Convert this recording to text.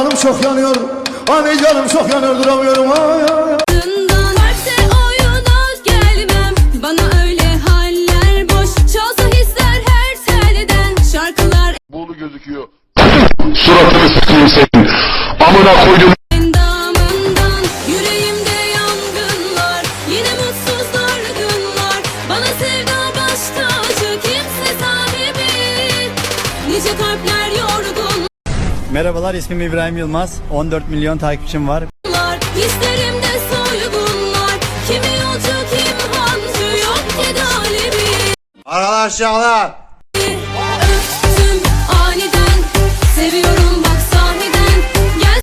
canım çok yanıyor. Hani canım çok yanıyor, duramıyorum. Ay ay ay. Buğulu gözüküyor. Suratını sıkayım senin. Amına koydum. Endamından yüreğimde yangınlar, yine mutsuzlar günler. Bana sevda baş tacı, kimse sahibi. Nice kalpler yorgun. Merhabalar, ismim İbrahim Yılmaz. 14 milyon takipçim var. Hislerimde soygunlar. Kimi yolcu kim hancı, yok ki galibi. Arkadaşlar. Öptüm aniden, seviyorum.